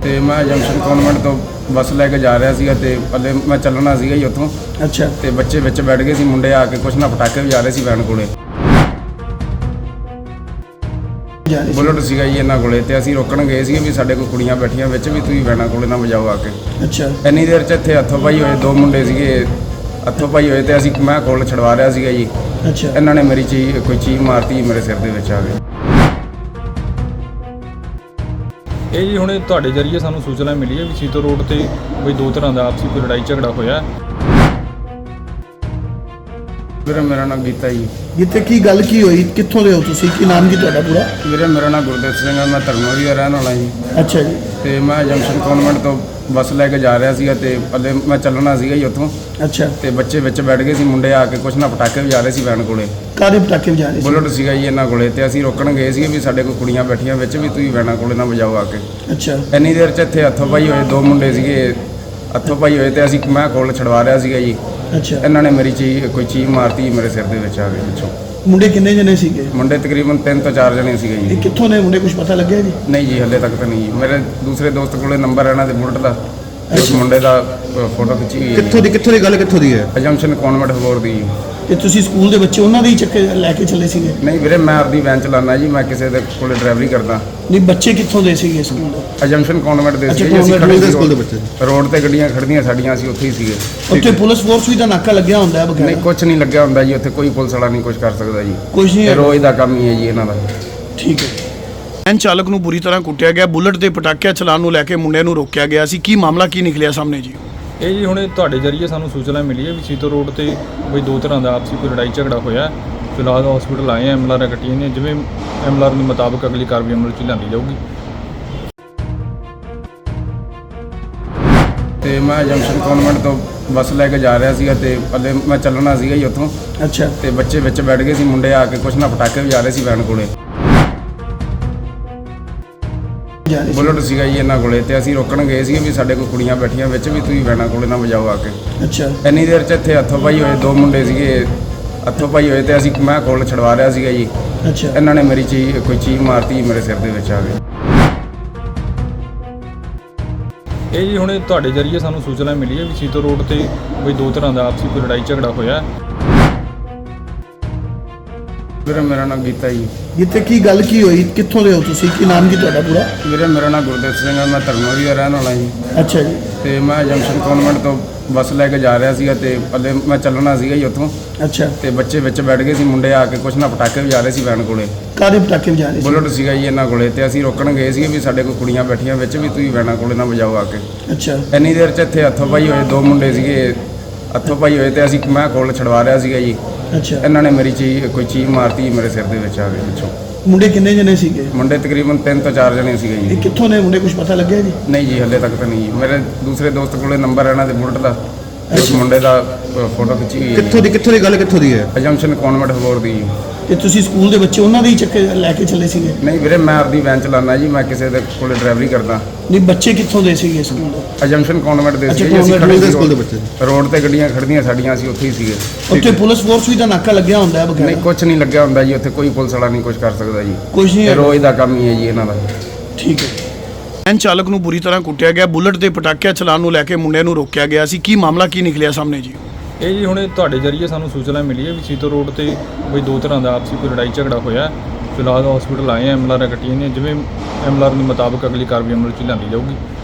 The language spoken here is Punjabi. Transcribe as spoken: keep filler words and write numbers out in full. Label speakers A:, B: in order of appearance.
A: ਤੇ ਮੈਂ ਜੰਕਸ਼ਨ ਕਨਵੈਂਟ ਤੋਂ ਬੱਸ ਲੈ ਕੇ ਜਾ ਰਿਹਾ ਸੀਗਾ ਤੇ ਪੱਲੇ ਮੈਂ ਚੱਲਣਾ ਸੀਗਾ ਜੀ ਉੱਥੋਂ।
B: ਅੱਛਾ।
A: ਤੇ ਬੱਚੇ ਵਿੱਚ ਬੈਠ ਗਏ ਸੀ, ਮੁੰਡੇ ਆ ਕੇ ਕੁਛ ਨਾ ਪਟਾਕੇ ਵਜਾ ਰਹੇ ਸੀ ਵੈਨ ਕੋਲੇ। ਬੁਲਟ ਸੀਗਾ ਜੀ ਇਹਨਾਂ ਕੋਲੇ ਤੇ ਅਸੀਂ ਰੋਕਣ ਗਏ ਸੀ ਵੀ ਸਾਡੇ ਕੋਲ ਕੁੜੀਆਂ ਬੈਠੀਆਂ ਵਿੱਚ ਵੀ ਤੁਸੀਂ ਵੈਨਾਂ ਕੋਲੇ ਨਾ ਵਜਾਓ ਆ ਕੇ।
B: ਅੱਛਾ।
A: ਇੰਨੀ ਦੇਰ 'ਚ ਇੱਥੇ ਹੱਥੋਂ ਪਾਈ ਹੋਏ ਦੋ ਮੁੰਡੇ ਸੀਗੇ, ਹੱਥੋਂ ਪਾਈ ਹੋਏ ਤੇ ਅਸੀਂ ਮੈਂ ਕੋਲ ਛਡਵਾ ਰਿਹਾ ਸੀਗਾ ਜੀ।
B: ਅੱਛਾ।
A: ਇਹਨਾਂ ਨੇ ਮੇਰੀ ਚੀਜ਼ ਕੋਈ ਚੀਜ਼ ਮਾਰਤੀ ਮੇਰੇ ਸਿਰ ਦੇ ਵਿੱਚ ਆ ਕੇ।
C: ਇਹ ਜੀ ਹੁਣੇ ਤੁਹਾਡੇ ਜਰੀਏ ਸਾਨੂੰ ਸੂਚਨਾ ਮਿਲੀ ਹੈ ਵੀ ਸੀਤੋ ਰੋਡ ਤੇ ਕੋਈ ਦੋ ਤਰ੍ਹਾਂ ਦਾ ਆਪਸੀ ਕੋਈ ਲੜਾਈ ਝਗੜਾ ਹੋਇਆ।
A: ਵੀਰੇ ਮੇਰਾ ਨਾਮ ਗੀਤਾ ਜੀ।
B: ਜਿੱਥੇ ਕੀ ਗੱਲ ਕੀ ਹੋਈ, ਕਿੱਥੋਂ ਦੇ ਹੋ ਤੁਸੀਂ, ਕੀ ਨਾਮ ਕੀ ਤੁਹਾਡਾ ਪੂਰਾ?
A: ਵੀਰੇ ਮੇਰਾ ਨਾਮ ਗੁਰਦੇਵ ਸਿੰਘ ਹੈ, ਮੈਂ ਧਰਮੋਰੀ ਦਾ ਰਹਿਣ ਵਾਲਾ ਜੀ।
B: ਅੱਛਾ ਜੀ।
A: ਤੇ ਮੈਂ ਜੰਕਸ਼ਨ ਕਨਵੈਂਟ ਤੋਂ ਬੱਸ ਲੈ ਕੇ ਜਾ ਰਿਹਾ ਸੀਗਾ ਤੇ ਪੱਲੇ ਮੈਂ ਚੱਲਣਾ ਸੀਗਾ ਜੀ ਉੱਥੋਂ।
B: ਅੱਛਾ।
A: ਤੇ ਬੱਚੇ ਵਿੱਚ ਬੈਠ ਗਏ ਸੀ, ਮੁੰਡੇ ਆ ਕੇ ਕੁਛ ਨਾ ਪਟਾਕੇ ਵਜਾ ਰਹੇ ਸੀ ਵੈਨ ਕੋਲੇ।
B: ਕਾਹਦੇ ਪਟਾਕੇ ਵਜਾ ਰਹੇ ਸੀ?
A: ਬੁਲਟ ਸੀਗਾ ਜੀ ਇਹਨਾਂ ਕੋਲੇ ਤੇ ਅਸੀਂ ਰੋਕਣ ਗਏ ਸੀਗੇ ਵੀ ਸਾਡੇ ਕੋਲ ਕੁੜੀਆਂ ਬੈਠੀਆਂ ਵਿੱਚ ਵੀ ਤੁਸੀਂ ਵੈਨਾਂ ਕੋਲੇ ਨਾ ਵਜਾਓ ਆ ਕੇ।
B: ਅੱਛਾ।
A: ਇੰਨੀ ਦੇਰ 'ਚ ਇੱਥੇ ਹੱਥੋਂ ਪਾਈ ਹੋਏ ਦੋ ਮੁੰਡੇ ਸੀਗੇ, ਹੱਥੋਂ ਪਾਈ ਹੋਏ ਤੇ ਅਸੀਂ ਮੈਂ ਕੋਲ ਛਡਵਾ ਰਿਹਾ ਸੀਗਾ ਜੀ।
B: ਅੱਛਾ।
A: ਇਹਨਾਂ ਨੇ ਮੇਰੀ ਚੀਜ਼ ਕੋਈ ਚੀਜ਼ ਮਾਰਤੀ ਮੇਰੇ ਸਿਰ ਦੇ ਵਿੱਚ ਆ ਕੇ ਪਿੱਛੋਂ।
B: ਮੁੰਡੇ ਕਿੰਨੇ ਜਣੇ ਸੀਗੇ?
A: ਮੁੰਡੇ ਤਕਰੀਬਨ ਤਿੰਨ ਤੋਂ ਚਾਰ ਜਣੇ ਸੀਗੇ
B: ਇਹ
A: ਜੀ।
B: ਕਿੱਥੋਂ ਨੇ ਮੁੰਡੇ, ਕੁਝ ਪਤਾ ਲੱਗਿਆ ਜੀ?
A: ਨਹੀਂ ਜੀ ਹੱਲੇ ਤੱਕ ਤਾਂ ਨਹੀਂ ਜੀ। ਮੇਰੇ ਦੂਸਰੇ ਦੋਸਤ ਕੋਲੇ ਨੰਬਰ ਹੈ ਇਹਨਾਂ ਦੇ ਬੁਲਟ ਦਾ, ਉਸ ਮੁੰਡੇ ਦਾ ਫੋਟੋ ਖਿੱਚੀ ਹੋਈ ਹੈ।
D: ਕਿੱਥੋਂ ਦੀ ਕਿੱਥੋਂ ਦੀ ਗੱਲ ਕਿੱਥੋਂ ਦੀ ਹੈ?
A: ਅਜੰਪਸ਼ਨ ਕਨਵੈਂਟ ਹੋਰ ਦੀ।
B: ਤੇ ਤੁਸੀਂ ਸਕੂਲ ਦੇ ਬੱਚੇ ਉਹਨਾਂ ਦੇ ਹੀ ਚੱਕੇ ਲੈ ਕੇ ਚੱਲੇ ਸੀਗੇ?
A: ਨਹੀਂ ਵੀਰੇ ਮੈਂ ਆਪਦੀ ਵੈਨ ਚਲਾਉਂਦਾ ਜੀ, ਮੈਂ ਕਿਸੇ ਦੇ ਕੋਲੇ ਡਰਾਈਵਰੀ ਕਰਦਾ।
B: ਨਹੀਂ, ਬੱਚੇ ਕਿੱਥੋਂ ਦੇ ਸੀਗੇ ਸਕੂਲ ਦੇ?
A: ਅਜੰਪਸ਼ਨ ਕਨਵੈਂਟ ਦੇ
B: ਅੱਛਾ,
A: ਸੀਗੇ ਜੀ। ਅਸੀਂ
B: convent
A: ਖੜੇ
D: ਦੇ
A: ਸੀ
D: ਸਕੂਲ ਦੇ ਬੱਚੇ।
A: ਰੋਡ ਤੇ ਗੱਡੀਆਂ ਖੜਦੀਆਂ ਸਾਡੀਆਂ, ਅਸੀਂ ਉੱਥੇ ਹੀ ਸੀਗੇ।
B: ਉੱਥੇ ਪੁਲਿਸ ਫੋਰਸ ਵੀ ਤਾਂ ਨਾਕਾ ਲੱਗਿਆ ਹੁੰਦਾ ਹੈ
A: ਨਹੀਂ
B: ਬਗੈਰ?
A: ਕੁਝ ਨਹੀਂ ਲੱਗਿਆ ਹੁੰਦਾ ਜੀ ਉੱਥੇ, ਕੋਈ ਪੁਲਿਸ ਵਾਲਾ ਨਹੀਂ ਕੁਝ ਕਰ ਸਕਦਾ ਜੀ।
B: ਕੁਝ ਨਹੀਂ
A: ਇਹ
B: ਹੈ।
A: ਰੋਜ਼ ਦਾ ਕੰਮ ਹੀ ਹੈ ਜੀ ਇਹਨਾਂ ਦਾ।
B: ਠੀਕ ਹੈ। ਵੈਨ ਚਾਲਕ ਨੂੰ ਬੁਰੀ ਤਰ੍ਹਾਂ ਕੁੱਟਿਆ ਗਿਆ, ਬੁਲਟ ਤੇ ਪਟਾਕਿਆਂ ਚਲਾਉਣ ਨੂੰ ਲੈ ਕੇ ਮੁੰਡੇ ਨੂੰ ਰੋਕਿਆ ਗਿਆ ਸੀ। ਕੀ ਮਾਮਲਾ ਕੀ ਨਿਕਲਿਆ ਸਾਹਮਣੇ ਜੀ?
C: ਇਹ ਜੀ ਹੁਣੇ ਤੁਹਾਡੇ ਜਰੀਏ ਸਾਨੂੰ ਸੂਚਨਾ ਮਿਲੀ ਹੈ ਵੀ ਸੀਤੋ ਰੋਡ ਤੇ ਕੋਈ ਦੋ ਤਰ੍ਹਾਂ ਦਾ ਆਪਸੀ ਕੋਈ ਲੜਾਈ ਝਗੜਾ ਹੋਇਆ। ਫਿਲਹਾਲ ਹਸਪੀਟਲ ਆਏ ਐਮ ਐਲ ਆਰ ਕੱਟੀਆਂ ਨੇ, ਜਿਵੇਂ ਐਮ ਐਲ ਆਰ ਦੇ ਮੁਤਾਬਕ ਅਗਲੀ ਕਾਰਵਾਈ ਅਮਲ 'ਚ ਲਿਆਂਦੀ ਜਾਊਗੀ।
A: ਤੇ ਮੈਂ ਜੰਕਸ਼ਨ ਕਨਵੈਂਟ ਤੋਂ ਬੱਸ ਲੈ ਕੇ ਜਾ ਰਿਹਾ ਸੀਗਾ ਤੇ ਪੱਲੇ ਮੈਂ ਚੱਲਣਾ ਸੀਗਾ ਜੀ ਉੱਥੋਂ।
B: ਅੱਛਾ।
A: ਤੇ ਬੱਚੇ ਵਿੱਚ ਬੈਠ ਗਏ ਸੀ, ਮੁੰਡੇ ਆ ਕੇ ਕੁਛ ਨਾ ਪਟਾਕੇ ਵਜਾ ਰਹੇ ਸੀ ਵੈਨ ਕੋਲੇ। ਬੁਲਟ ਸੀਗਾ ਜੀ ਇਹਨਾਂ ਕੋਲੇ ਤੇ ਅਸੀਂ ਰੋਕਣ ਗਏ ਸੀਗੇ ਵੀ ਸਾਡੇ ਕੋਲ ਕੁੜੀਆਂ ਬੈਠੀਆਂ ਵਿੱਚ ਵੀ ਤੁਸੀਂ ਵੈਨਾਂ ਕੋਲੇ ਨਾ ਵਜਾਓ ਆ ਕੇ।
B: ਅੱਛਾ।
A: ਇੰਨੀ ਦੇਰ 'ਚ ਇੱਥੇ ਹੱਥੋਂ ਪਾਈ ਹੋਏ ਦੋ ਮੁੰਡੇ ਸੀਗੇ, ਹੱਥੋਂ ਪਾਈ ਹੋਏ ਤੇ ਅਸੀਂ ਮੈਂ ਕੋਲ ਛਡਵਾ ਰਿਹਾ ਸੀਗਾ ਜੀ।
B: ਅੱਛਾ।
A: ਇਹਨਾਂ ਨੇ ਮੇਰੀ ਚੀਜ਼ ਕੋਈ ਚੀਜ਼ ਮਾਰਤੀ ਮੇਰੇ ਸਿਰ ਦੇ ਵਿੱਚ ਆ ਕੇ।
C: ਇਹ ਜੀ ਹੁਣੇ ਤੁਹਾਡੇ ਜਰੀਏ ਸਾਨੂੰ ਸੂਚਨਾ ਮਿਲੀ ਹੈ ਵੀ ਸੀਤੋ ਰੋਡ ਤੇ ਕੋਈ ਦੋ ਤਰ੍ਹਾਂ ਦਾ ਆਪਸੀ ਕੋਈ ਲੜਾਈ ਝਗੜਾ ਹੋਇਆ।
A: ਵੀਰੇ ਮੇਰਾ ਨਾਮ ਗੀਤਾ ਜੀ।
B: ਜਿੱਥੇ ਕੀ ਗੱਲ ਕੀ ਹੋਈ, ਕਿੱਥੋਂ ਦੇ ਹੋ ਤੁਸੀਂ, ਕੀ ਨਾਮ ਕੀ ਤੁਹਾਡਾ ਪੂਰਾ?
A: ਵੀਰੇ ਮੇਰਾ ਨਾਮ ਗੁਰਦੇਵ ਸਿੰਘ ਹੈ, ਮੈਂ ਧਰਮੋਰੀ ਦਾ ਰਹਿਣ ਵਾਲਾ ਜੀ।
B: ਅੱਛਾ ਜੀ।
A: ਤੇ ਮੈਂ ਜੰਕਸ਼ਨ ਕਨਵੈਂਟ ਤੋਂ ਬੱਸ ਲੈ ਕੇ ਜਾ ਰਿਹਾ ਸੀਗਾ ਤੇ ਪੱਲੇ ਮੈਂ ਚੱਲਣਾ ਸੀਗਾ ਜੀ ਉੱਥੋਂ।
B: ਅੱਛਾ।
A: ਤੇ ਬੱਚੇ ਵਿੱਚ ਬੈਠ ਗਏ ਸੀ, ਮੁੰਡੇ ਆ ਕੇ ਕੁਛ ਨਾ ਪਟਾਕੇ ਵਜਾ ਰਹੇ ਸੀ ਵੈਨ ਕੋਲੇ।
B: ਕਾਹਦੇ ਪਟਾਕੇ ਵਜਾ ਰਹੇ ਸੀ?
A: ਬੁਲਟ ਸੀਗਾ ਜੀ ਇਹਨਾਂ ਕੋਲੇ ਤੇ ਅਸੀਂ ਰੋਕਣ ਗਏ ਸੀਗੇ ਵੀ ਸਾਡੇ ਕੋਲ ਕੁੜੀਆਂ ਬੈਠੀਆਂ ਵਿੱਚ ਵੀ ਤੁਸੀਂ ਵੈਨਾਂ ਕੋਲੇ ਨਾ ਵਜਾਓ ਆ ਕੇ।
B: ਅੱਛਾ।
A: ਇੰਨੀ ਦੇਰ 'ਚ ਇੱਥੇ ਹੱਥੋਂ ਪਾਈ ਹੋਏ ਦੋ ਮੁੰਡੇ ਸੀਗੇ, ਹੱਥੋਂ ਪਾਈ ਹੋਏ ਤੇ ਅਸੀਂ ਮੈਂ ਕੋਲ ਛਡਵਾ ਰਿਹਾ ਸੀਗਾ ਜੀ।
B: ਅੱਛਾ।
A: ਇਹਨਾਂ ਨੇ ਮੇਰੀ ਚੀਜ਼ ਕੋਈ ਚੀਜ਼ ਮਾਰਤੀ ਮੇਰੇ ਸਿਰ ਦੇ ਵਿੱਚ ਆ ਕੇ ਪਿੱਛੋਂ।
B: ਮੁੰਡੇ ਕਿੰਨੇ ਜਣੇ ਸੀਗੇ?
A: ਮੁੰਡੇ ਤਕਰੀਬਨ ਤਿੰਨ ਤੋਂ ਚਾਰ ਜਣੇ ਸੀਗੇ
B: ਇਹ
A: ਜੀ।
B: ਕਿੱਥੋਂ ਨੇ ਮੁੰਡੇ, ਕੁਝ ਪਤਾ ਲੱਗਿਆ ਜੀ?
A: ਨਹੀਂ ਜੀ ਹੱਲੇ ਤੱਕ ਤਾਂ ਨਹੀਂ ਜੀ। ਮੇਰੇ ਦੂਸਰੇ ਦੋਸਤ ਕੋਲੇ ਨੰਬਰ ਹੈ ਇਹਨਾਂ ਦੇ ਬੁਲਟ ਦਾ, ਉਸ ਮੁੰਡੇ ਦਾ ਫੋਟੋ ਖਿੱਚੀ ਹੋਈ ਹੈ।
D: ਕਿੱਥੋਂ ਦੀ ਕਿੱਥੋਂ ਦੀ ਗੱਲ ਕਿੱਥੋਂ ਦੀ ਹੈ?
A: ਅਜੰਪਸ਼ਨ ਕਨਵੈਂਟ ਹੋਰ ਦੀ।
B: ਤੇ ਤੁਸੀਂ ਸਕੂਲ ਦੇ ਬੱਚੇ ਉਹਨਾਂ ਦੇ ਹੀ ਚੱਕੇ ਲੈ ਕੇ ਚੱਲੇ ਸੀਗੇ?
A: ਨਹੀਂ ਵੀਰੇ ਮੈਂ ਆਪਦੀ ਵੈਨ ਚਲਾਉਂਦਾ ਜੀ, ਮੈਂ ਕਿਸੇ ਦੇ ਕੋਲੇ ਡਰਾਈਵਰੀ ਕਰਦਾ।
B: ਨਹੀਂ, ਬੱਚੇ ਕਿੱਥੋਂ ਦੇ ਸੀਗੇ ਸਕੂਲ ਦੇ?
A: ਅਜੰਪਸ਼ਨ ਕਨਵੈਂਟ ਦੇ
B: ਅੱਛਾ,
A: ਸੀਗੇ ਜੀ। ਅਸੀਂ
B: convent
A: ਖੜੇ
D: ਦੇ
A: ਸੀ
D: ਸਕੂਲ ਦੇ ਬੱਚੇ।
A: ਰੋਡ ਤੇ ਗੱਡੀਆਂ ਖੜਦੀਆਂ ਸਾਡੀਆਂ, ਅਸੀਂ ਉੱਥੇ ਹੀ ਸੀਗੇ।
B: ਉੱਥੇ ਪੁਲਿਸ ਫੋਰਸ ਵੀ ਤਾਂ ਨਾਕਾ ਲੱਗਿਆ ਹੁੰਦਾ ਹੈ ਬਗੈਰ?
A: ਨਹੀਂ ਕੁਝ ਨਹੀਂ ਲੱਗਿਆ ਹੁੰਦਾ ਜੀ ਉੱਥੇ, ਕੋਈ ਪੁਲਿਸ ਵਾਲਾ ਨਹੀਂ ਕੁਝ ਕਰ ਸਕਦਾ ਜੀ।
B: ਕੁਝ ਨਹੀਂ
A: ਇਹ
B: ਹੈ।
A: ਰੋਜ਼ ਦਾ ਕੰਮ ਹੀ ਹੈ ਜੀ ਇਹਨਾਂ ਦਾ।
B: ਠੀਕ ਹੈ। ਵੈਨ ਚਾਲਕ ਨੂੰ ਬੁਰੀ ਤਰ੍ਹਾਂ ਕੁੱਟਿਆ ਗਿਆ, ਬੁਲਟ ਤੇ ਪਟਾਕਿਆਂ ਚਲਾਉਣ ਨੂੰ ਲੈ ਕੇ ਮੁੰਡੇ ਨੂੰ ਰੋਕਿਆ ਗਿਆ ਸੀ। ਕੀ ਮਾਮਲਾ ਕੀ ਨਿਕਲਿਆ ਸਾਹਮਣੇ ਜੀ?
C: ਇਹ ਜੀ ਹੁਣੇ ਤੁਹਾਡੇ ਜਰੀਏ ਸਾਨੂੰ ਸੂਚਨਾ ਮਿਲੀ ਹੈ ਵੀ ਸੀਤੋ ਰੋਡ ਤੇ ਕੋਈ ਦੋ ਤਰ੍ਹਾਂ ਦਾ ਆਪਸੀ ਕੋਈ ਲੜਾਈ ਝਗੜਾ ਹੋਇਆ। ਫਿਲਹਾਲ ਹਸਪੀਟਲ ਆਏ ਐਮ ਐਲ ਆਰ ਕੱਟੀਆਂ ਨੇ, ਜਿਵੇਂ ਐਮ ਐਲ ਆਰ ਦੇ ਮੁਤਾਬਕ ਅਗਲੀ ਕਾਰਵਾਈ ਅਮਲ 'ਚ ਲਿਆਂਦੀ ਜਾਊਗੀ।